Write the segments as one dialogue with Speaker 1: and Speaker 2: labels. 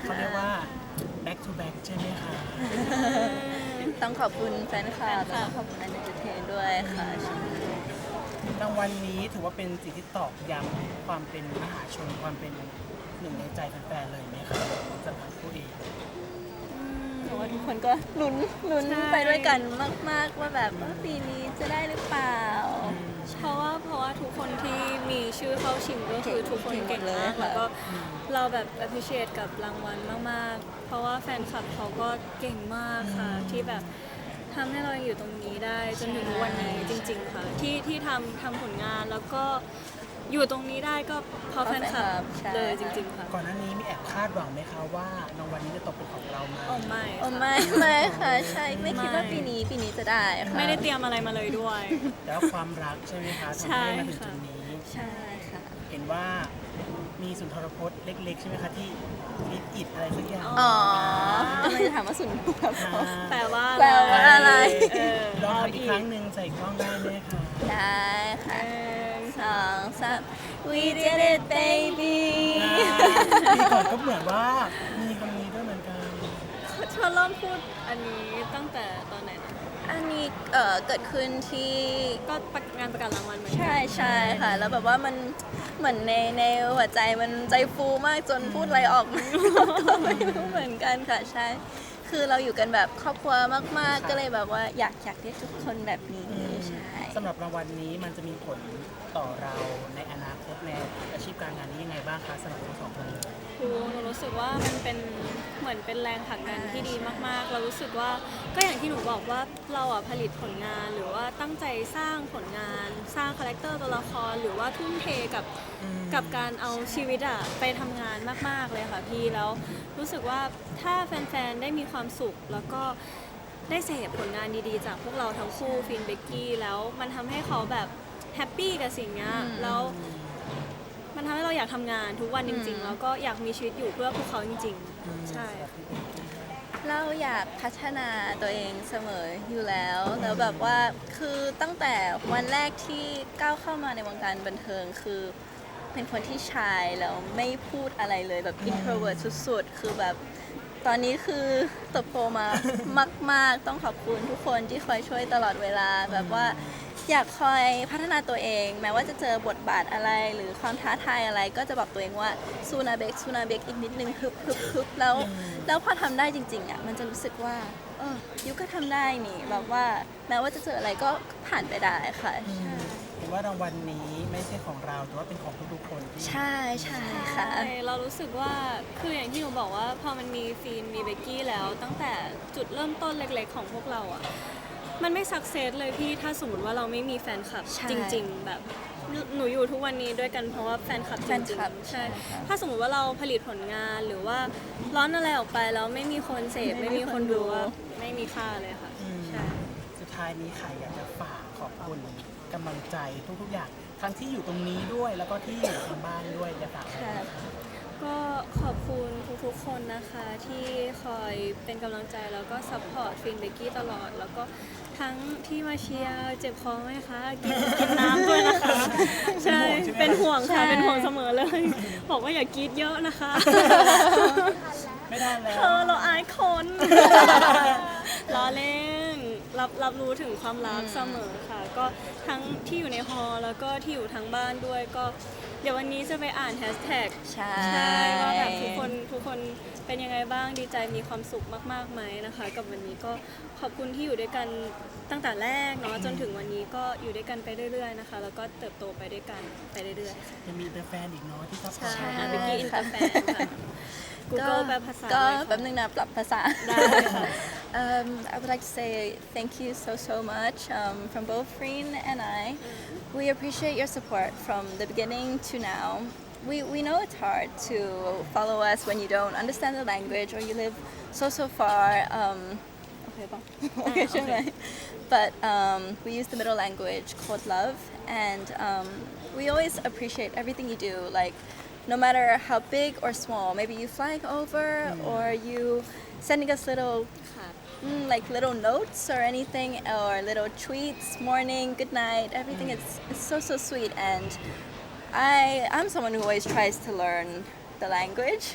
Speaker 1: เขาเรียกว่า back to back ใช่ไหมคะ
Speaker 2: ต้องขอบคุณแฟนคลับแล้วก็ขอบคุณอันเดอร์เทนด้วยค่ะ
Speaker 1: รางวัลนี้ถือว่าเป็นสิ่งที่ตอกย้ำความเป็นมหาชนความเป็นหนึ่งในใจแฟนๆเลยไหมคะสำหรับผู้เอง
Speaker 2: หนูว่าทุกคนก็ลุ้นไปด้วยกันมากๆว่าแบบว่าปีนี้จะได้หรือเปล่า
Speaker 3: เพราะว่าทุกคนที่มีชื่อเข้าชิงก็คือทุกคนเก่งมาก
Speaker 2: เก่งหมดเลยค่ะ
Speaker 3: แล้วก็เราแบบ appreciate กับรางวัลมากๆ เพราะว่าแฟนคลับเขาก็เก่งมากค่ะที่แบบทำให้เราอยู่ตรงนี้ได้จนถึงวันนี้จริงๆค่ะที่ทำผลงานแล้วก็อยู่ตรงนี้ได้ก็เพราะแฟนคลับ
Speaker 2: ใช่
Speaker 3: เลยจริงๆค่ะ
Speaker 1: ก่อนหน้านี้มีแอบคาดหวังไหมคะว่ารางวัลนี้จะตกเป็นของเราไหม
Speaker 3: โอ้ไม่
Speaker 2: โอ้
Speaker 3: ค่ะ
Speaker 2: ไม่ค่ะใช่ไม่คิดว่าปีนี้จะได้ค่ะ
Speaker 3: ไม่ได้เตรียมอะไรมาเลยด้วย
Speaker 1: แล้วความรักใช่ไหมคะ
Speaker 3: ใช่
Speaker 1: ทำให้มาถึง
Speaker 3: ค่ะ
Speaker 1: จุดนี้
Speaker 2: ใช่ค่ะ
Speaker 1: เห็นว่ามีสุนทรพจน์เล็กๆ ใช่ไหมคะที่ลิดอิดอะไรสักอย่าง
Speaker 2: อ๋อไม่ได้ถามว่าสุนทรภพ
Speaker 3: แปลว่า
Speaker 2: แปลว่าอะไร
Speaker 3: เออ
Speaker 1: ลอง
Speaker 3: เอา
Speaker 1: ทำอี
Speaker 3: อี
Speaker 1: ก
Speaker 3: ก
Speaker 1: ครั้งหนึ่งใส่กล้องได้ไหมคะ
Speaker 2: ได้ค่ะ2 3 We did it baby
Speaker 1: ปีก่อนก็เหมือนว่ามีคำนี้ด้วยเหมือนกัน
Speaker 3: เธอเริ่มพูดอันนี้ตั้งแต่ตอนไหนนะ
Speaker 2: อันนี้เกิดขึ้นที่
Speaker 3: ก็งานประกาศรางวัลเหมือนกั
Speaker 2: ใช่ค่ะ แล้วแบบว่ามันเหมือนในหัวใจมันใจฟูมากจนพูดอะไรออกมา ก็ไม่รู้เหมือนกันค่ะใช่ คือเราอยู่กันแบบครอบครัวมากๆ ก็เลยแบบว่าอยากเรียกทุกคนแบบนี้ใช่
Speaker 1: สำหรับรางวัลนี้มันจะมีผลต่อเราในอนาคตในอาชีพการงานนี้ยังไงบ้างคะสำหรับทั้งสองคนเลย
Speaker 3: หนูรู้สึกว่ามันเป็นเหมือนเป็นแรงผลักดันที่ดีมากๆ เรารู้สึกว่าก็อย่างที่หนูบอกว่าเราอ่ะผลิตผลงานหรือว่าตั้งใจสร้างผลงาน สร้างคาแรคเตอร์ตัวละครหรือว่าทุ่มเทกับการเอาชีวิตอ่ะไปทำงานมากๆเลยค่ะพี่แล้วรู้สึกว่าถ้าแฟนๆได้มีความสุขแล้วก็ได้เสพผลงานดีๆ จากพวกเราทั้งคู่ฟินเบกกี้แล้วมันทำให้เขาแบบแฮปปี้กับสิ่งเนี้ยแล้วมันทำให้เราอยากทำงานทุกวันจริง ๆ แล้วก็อยากมีชีวิตอยู่เพื่อพวกเขาจริง ๆ ใช่
Speaker 2: เราอยากพัฒนาตัวเองเสมออยู่แล้วแล้วแบบว่าคือตั้งแต่วันแรกที่ก้าวเข้ามาในวงการบันเทิงคือเป็นคนที่ชายแล้วไม่พูดอะไรเลยแบบ introvert สุดๆ คือแบบตอนนี้คือเติบโตมามากๆ ต้องขอบคุณทุกคนที่คอยช่วยตลอดเวลาแบบว่าอยากคอยพัฒนาตัวเอง แม้ว่าจะเจอบทบาทอะไรหรือความท้าทายอะไรก็จะบอกตัวเองว่าซูนาเบกอีกนิดนึงฮึบแล้วพอทำได้จริงๆอ่ะมันจะรู้สึกว่ายูก็ทำได้นี่แบบว่าแม้ว่าจะเจออะไรก็ผ่านไปได้ค่ะ
Speaker 1: เห็นว่ารางวัลนี้ไม่ใช่ของเราแต่ว่าเป็นของทุกๆคนที่
Speaker 2: ใช่ค่ะ
Speaker 3: ใช่เรารู้สึกว่าคืออย่างที่หนูบอกว่าพอมันมีฟีนมีเบกกี้แล้วตั้งแต่จุดเริ่มต้นเล็กๆของพวกเราอ่ะมันไม่สักเซสเลยพี่ถ้าสมมติว่าเราไม่มีแฟนคลับ
Speaker 2: ใช่
Speaker 3: จริง ๆ แบบหนูอยู่ทุกวันนี้ด้วยกันเพราะว่าแฟนคลับจ
Speaker 2: แฟ
Speaker 3: ริ
Speaker 2: น
Speaker 3: ง
Speaker 2: คลับ
Speaker 3: ๆใช่
Speaker 2: ใช่ค่ะ
Speaker 3: ถ้าสมมติว่าเราผลิตผลงานหรือว่าร้อนอะไรออกไปแล้วไม่มีคนเสพไม่มีคนดูว่าไม่มีค่าเลยค่ะใช่
Speaker 1: สุดท้ายนี้ค่ะอยากจะฝากขอบคุณกำลังใจทุกๆอย่างทั้งที่อยู่ตรงนี้ด้วยแล้วก็ที่อยู่ทางบ้านด้วยจะฝากอะไรไหมคะ
Speaker 3: ก็ขอบคุณทุกๆคนนะคะที่คอยเป็นกำลังใจแล้วก็ซัพพอร์ตฟินเบกกี้ตลอด แล้วก็ทั้งที่มาเชียร์เจ็บคอไหมคะกินน้ำด้วยนะคะ ใช่เป็นห่วงค่ะเป็นห่วงเสมอเลย บอกว่าอย่ากรีดเยอะนะคะ
Speaker 1: ไม่ได้แล้ว
Speaker 3: เราอายคน ล้อเล่นรับรู้ถึงความรักเสมอค่ะ ก็ทั้งที่อยู่ในฮอลล์แล้วก็ที่อยู่ทั้งบ้านด้วยก็เดี๋ยววันนี้จะไปอ่านแฮชแท็ก
Speaker 2: ใช่
Speaker 3: ใช่ว่าแบบทุกคนเป็นยังไงบ้างดีใจมีความสุขมากๆไหมนะคะ กับวันนี้ก็ขอบคุณที่อยู่ด้วยกันตั้งแต่แรกเนาะจนถึงวันนี้ก็อยู่ด้วยกันไปเรื่อยๆนะคะ แล้วก็เติบโตไปด้วยกันไปเรื่อยๆค่ะ
Speaker 1: ยังมีแฟนอีกเนาะที่ซัพพอร์ต
Speaker 3: ใช่
Speaker 1: เรา
Speaker 3: เบกกี้อินเตอร์แฟนค่ะ Google แปลภาษา
Speaker 2: ก็
Speaker 3: ด้วยค่ะ
Speaker 2: แป๊บนึงนะปรับภาษา
Speaker 3: ได้ค่ะ
Speaker 2: I would like to say thank you so much from both Freen and I. We appreciate your support from the beginning to now. We know it's hard to follow us when you don't understand the language or you live so far. Okay, okay, sure. But we use the middle language called love, and we always appreciate everything you do. Like, no matter how big or small, maybe you flying over or you sending us little
Speaker 3: ค่ะ
Speaker 2: like little notes or anything or little tweets, morning, good night, everything is so sweet. And I'm someone who always tries to learn the language.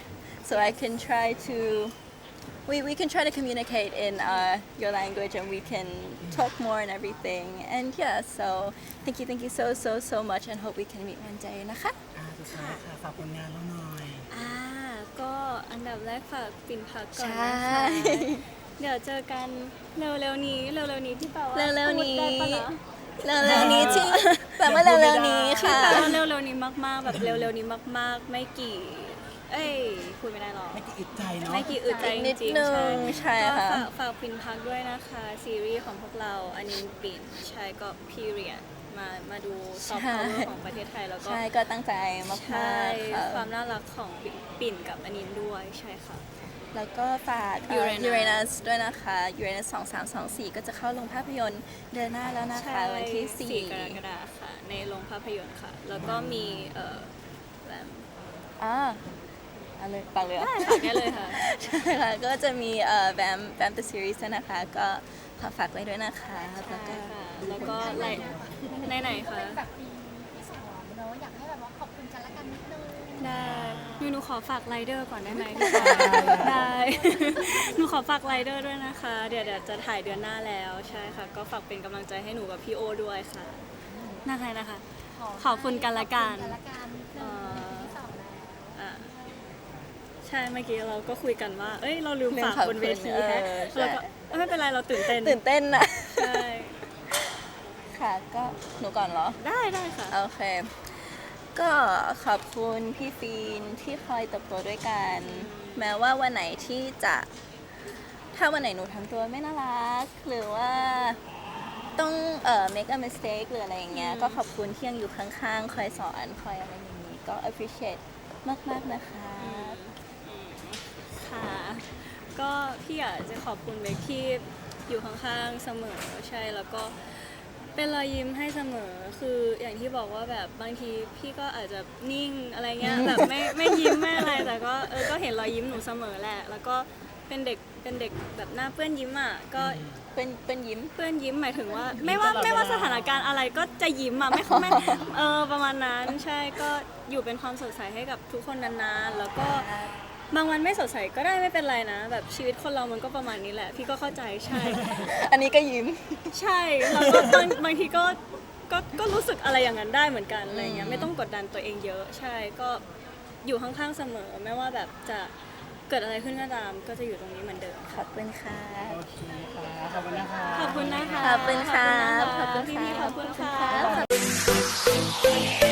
Speaker 2: so I can try to we can try to communicate in your language and we can talk more and everything and yeah so thank you so much and hope we can meet one day นะคะ
Speaker 1: สุดท้ายค่ะฝากผลงานเราหน่อย
Speaker 3: ก็อันดับแรกฝากปิ่นพักก่อน
Speaker 2: ใช่
Speaker 3: นะคะเดี๋ยวเจอกันเร็วๆนี้ที่แปลว่า
Speaker 2: เร็วๆนี้
Speaker 3: พูดได้ปะะ
Speaker 2: เร็วๆนี้ที่แปลว่าเร็วๆนี้
Speaker 3: ที่
Speaker 2: ค่ะ
Speaker 3: แปลว่าเร็วๆนี้มากๆแบบเร็วๆนี้มากๆ ไม่กี่พูดไม่ได้หรอก
Speaker 1: ไม่กี่อึดใจเนาะ
Speaker 3: ไม่กี่อึดใจจ
Speaker 2: นิด
Speaker 3: ริง
Speaker 2: นึ
Speaker 3: ๆ
Speaker 2: งใช่
Speaker 3: ก็
Speaker 2: ค่ะ
Speaker 3: ฝากปิ่นพักด้วยนะคะซีรีส์ของพวกเราอันนี้ปิ่นใช่ก็ period มาดูซอฟต์พาวเวอร์ของประเทศไทยแล้วก็
Speaker 2: ใช่ก็ตั้งใจมาก
Speaker 3: ใช่
Speaker 2: ๆค่ะ
Speaker 3: ความน่ารักของปิ่นกับอันนี้ด้วยใช่ค่ะ
Speaker 2: แล้วก็ฝาก
Speaker 3: Uranus
Speaker 2: Uranus ด้วยนะคะ Uranus 2324 ก็จะเข้าลงภาพยนตร์เดือนหน้าแล้วนะคะ วันที่
Speaker 3: 4 กรกฎาคมค่ะ ในโรงภาพยนตร์ค่ะ แล้วก็มีแบบ
Speaker 2: 4อ่าเอาเลยปังเลยเหรอ
Speaker 3: ได้ค่ะได้เลยค่ะ
Speaker 2: ใช่ค่ะ ก็จะมีแบม The Series ด้วยนะคะ ก็ขอฝากไว้ด้วยนะคะแล้วก็
Speaker 3: แล้วก็ไหนๆคะ
Speaker 4: เป็นแบบปีสองเนอะอยากให้แบบว่าขอบคุณกันและกันนิดนึง
Speaker 3: ได้หนูขอฝากไรเดอร์ก่อนได้ไหมได้ หนูขอฝากไรเดอร์ด้วยนะคะ เดี๋ยวจะถ่ายเดือนหน้าแล้วใช่ค่ะ ก็ฝากเป็นกำลังใจให้หนูกับพี่โอด้วยค่ะนะคะ ขอบคุณกันและกัน
Speaker 4: ขอบคุณกันและกันนิดนึงปีสองแล้ว
Speaker 3: อ่ะใช่เมื่อกี้เราก็คุยกันว่า เอ้ยเราลืมฝากบนเวทีแฮะ
Speaker 2: ใช่
Speaker 3: แล้วก็ไม่เป็นไรเราตื่นเต้น
Speaker 2: ตื่นเต้นนะ
Speaker 3: ใช่
Speaker 2: ค่ะก็หนูก่อนเหรอ
Speaker 3: ได้ค่ะ
Speaker 2: โอเค ก็ขอบคุณพี่ฟีนที่คอยเติบโตด้วยกัน แม้ว่าวันไหนที่จะถ้าวันไหนหนูทำตัวไม่น่ารัก หรือว่าต้องmake a mistake หรืออะไรอย่างเงี้ย ก็ขอบคุณที่ยังอยู่ข้างๆ คอยสอนคอยอะไรอย่างนี้ ก็ appreciate มากๆนะคะ
Speaker 3: ค่ะ ก็พี่อยากจะขอบคุณเบคที่อยู่ข้างๆเสมอใช่แล้วก็เป็นรอยยิ้มให้เสมอคืออย่างที่บอกว่าแบบบางทีพี่ก็อาจจะนิ่งอะไรเงี้ยแบบไม่ยิ้มไม่อะไรแต่ก็ก็เห็นรอยยิ้มหนูเสมอแหละ แล้วก็เป็นเด็กแบบหน้าเปื้อนยิ้มอ่ะก็
Speaker 2: เป็นยิ้ม
Speaker 3: เพื่อนยิ้มหมายถึงว่าไม่ว่าสถานการณ์อะไรก็จะยิ้มอ่ะไม่ประมาณนั้นใช่ก็อยู่เป็นความสดใสให้กับทุกคนนานๆแล้วก็บางวันไม่สดใสก็ได้ไม่เป็นไรนะ แบบชีวิตคนเรามันก็ประมาณนี้แหละ พี่ก็เข้าใจใช่
Speaker 2: อันนี้ก็ยิ้ม
Speaker 3: ใช่แล้วก็บางทีก็รู้สึกอะไรอย่างนั้นได้เหมือนกันอะไรเงี้ยไม่ต้องกดดันตัวเองเยอะ ใช่ก็อยู่ข้างๆเสมอไม่ว่าแบบจะเกิดอะไรขึ้นก็ตามก็จะอยู่ตรงนี้เหมือนเดิม
Speaker 2: ขอบคุณค่ะ
Speaker 1: โอเคค่ะ ขอบคุณนะคะ
Speaker 3: ขอบคุณนะคะ
Speaker 2: ขอบคุณค่ะ
Speaker 3: ขอบคุณนะคะพี่ๆขอบคุณค่ะ
Speaker 2: ขอบคุณค่ะ